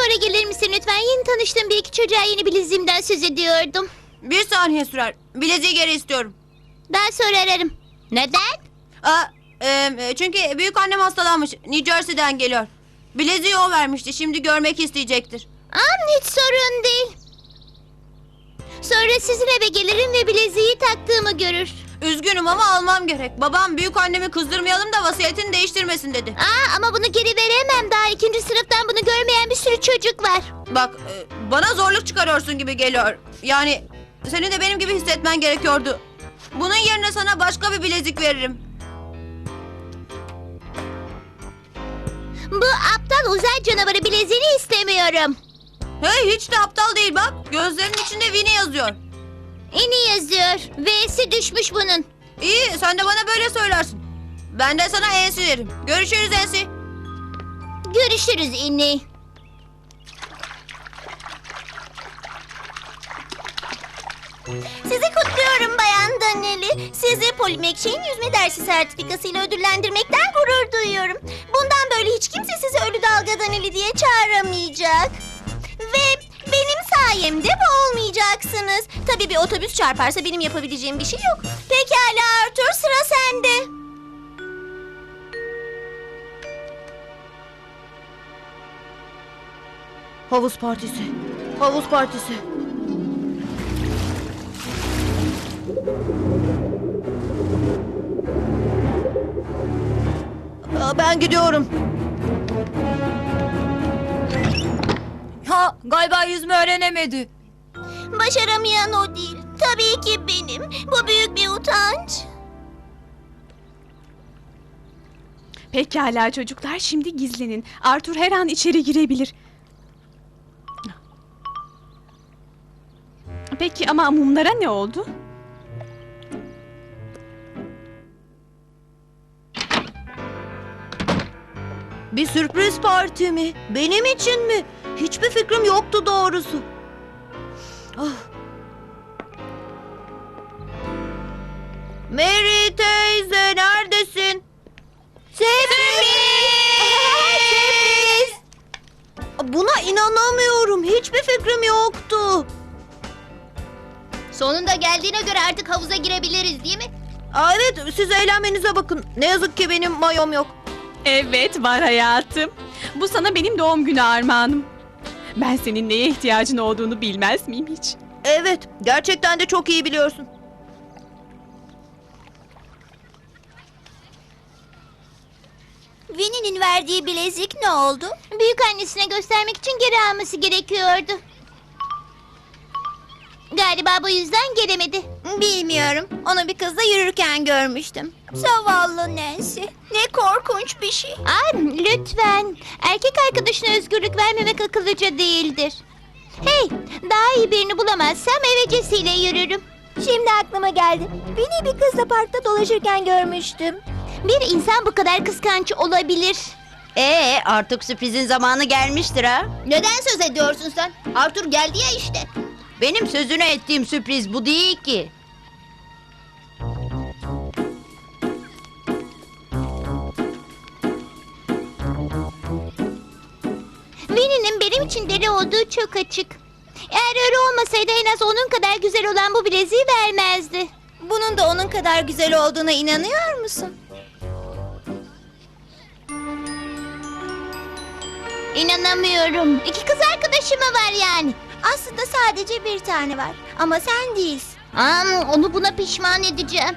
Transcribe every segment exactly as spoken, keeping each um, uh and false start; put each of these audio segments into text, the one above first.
sonra gelir misin lütfen? Yeni tanıştığım bir iki çocuğa yeni bileziğimden söz ediyordum. Bir saniye sürer. Bileziği geri istiyorum. Daha sonra ararım. Neden? Aa, e, çünkü büyük annem hastalanmış. New Jersey'den geliyor. Bileziği o vermişti. Şimdi görmek isteyecektir. Aa, hiç sorun değil. Sonra sizin eve gelirim ve bileziği taktığımı görür. Üzgünüm ama almam gerek. Babam büyük annemi kızdırmayalım da vasiyetini değiştirmesin dedi. Aa, ama bunu geri veremem. Daha ikinci sınıftan bunu görmeyen bir sürü çocuk var. Bak, e, bana zorluk çıkarıyorsun gibi geliyor. Yani senin de benim gibi hissetmen gerekiyordu. Bunun yerine sana başka bir bilezik veririm. Bu aptal uzay canavarı bileziğini istemiyorum. Hey, hiç de aptal değil bak. Gözlerinin içinde Winnie yazıyor. İni yazıyor. V'si düşmüş bunun. İyi, sen de bana böyle söylersin. Ben de sana Ensi derim. Görüşürüz Ensi. Görüşürüz İni. Sizi kutluyorum Bayan Daneli. Sizi Polimekşe'nin yüzme dersi sertifikasıyla ödüllendirmekten gurur duyuyorum. Bundan böyle hiç kimse sizi Ölü Dalga Daneli diye çağıramayacak. Ve benim sayemde bu olmayacaksınız. Tabii bir otobüs çarparsa benim yapabileceğim bir şey yok. Pekala Arthur, sıra sende. Havuz partisi. Havuz partisi. Aa, ben gidiyorum. Ha, galiba yüzme öğrenemedi. Başaramayan o değil. Tabii ki benim. Bu büyük bir utanç. Pekala çocuklar, şimdi gizlenin. Arthur her an içeri girebilir. Peki ama mumlara ne oldu? Bir sürpriz parti mi? Benim için mi? Hiçbir fikrim yoktu doğrusu. Ah. Mary teyze neredesin? Sürpriz! Sürpriz! Buna inanamıyorum. Hiçbir fikrim yoktu. Sonunda geldiğine göre artık havuza girebiliriz değil mi? Aa, evet, siz eğlenmenize bakın. Ne yazık ki benim mayom yok. Evet, var hayatım. Bu sana benim doğum günü armağanım. Ben senin neye ihtiyacın olduğunu bilmez miyim hiç? Evet, gerçekten de çok iyi biliyorsun. Winnie'nin verdiği bilezik ne oldu? Büyük annesine göstermek için geri alması gerekiyordu. Galiba bu yüzden gelemedi. Bilmiyorum. Onu bir kızla yürürken görmüştüm. Zavallı Nancy. Ne korkunç bir şey. Ay, lütfen. Erkek arkadaşına özgürlük vermemek akıllıca değildir. Hey, daha iyi birini bulamazsam evecesiyle yürürüm. Şimdi aklıma geldi. Beni bir kızla parkta dolaşırken görmüştüm. Bir insan bu kadar kıskanç olabilir. Ee, artık sürprizin zamanı gelmiştir ha. Neden söz ediyorsun sen? Arthur geldi ya işte. Benim sözünü ettiğim sürpriz bu değil ki. Winnie'nin benim için deli olduğu çok açık. Eğer öyle olmasaydı en az onun kadar güzel olan bu bileziği vermezdi. Bunun da onun kadar güzel olduğuna inanıyor musun? İnanamıyorum. İki kız arkadaşım mı var yani? Aslında sadece bir tane var. Ama sen değilsin. Aa, onu buna pişman edeceğim.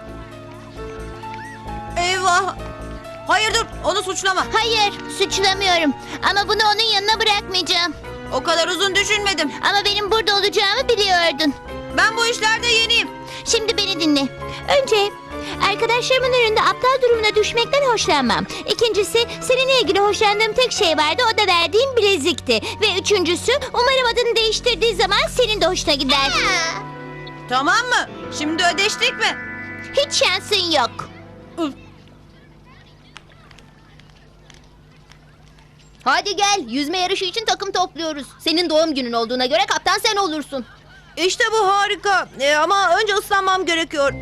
Eyvah! Hayır dur, onu suçlama. Hayır, suçlamıyorum. Ama bunu onun yanına bırakmayacağım. O kadar uzun düşünmedim. Ama benim burada olacağımı biliyordun. Ben bu işlerde yeniyim. Şimdi beni dinle. Önce arkadaşlarımın önünde aptal durumuna düşmekten hoşlanmam. İkincisi seninle ilgili hoşlandığım tek şey vardı, o da verdiğim bilezikti. Ve üçüncüsü umarım adını değiştirdiği zaman senin de hoşuna gider. Tamam mı? Şimdi ödeştik mi? Hiç şansın yok. Hadi gel, yüzme yarışı için takım topluyoruz. Senin doğum günün olduğuna göre kaptan sen olursun. İşte bu harika. Ee, ama önce ıslanmam gerekiyor.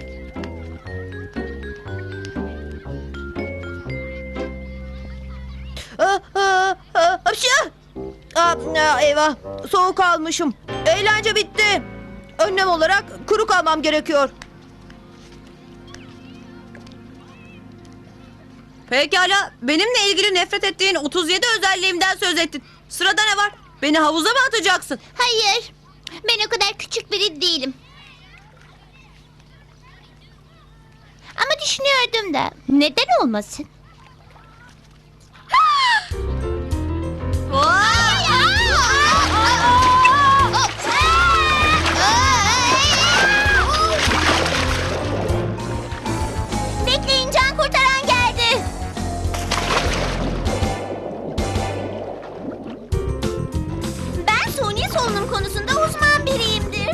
Ah, ah, ah, hapşı! Aa, aa, eyvah, soğuk almışım. Eğlence bitti. Önlem olarak kuru kalmam gerekiyor. Pekala, benimle ilgili nefret ettiğin otuz yedi özelliğimden söz ettin. Sırada ne var? Beni havuza mı atacaksın? Hayır. Ben o kadar küçük biri değilim. Ama düşünüyordum da neden olmasın? Bekleyin, can kurtaran geldi. Ben suni solunum konusunda uzman biriyimdir.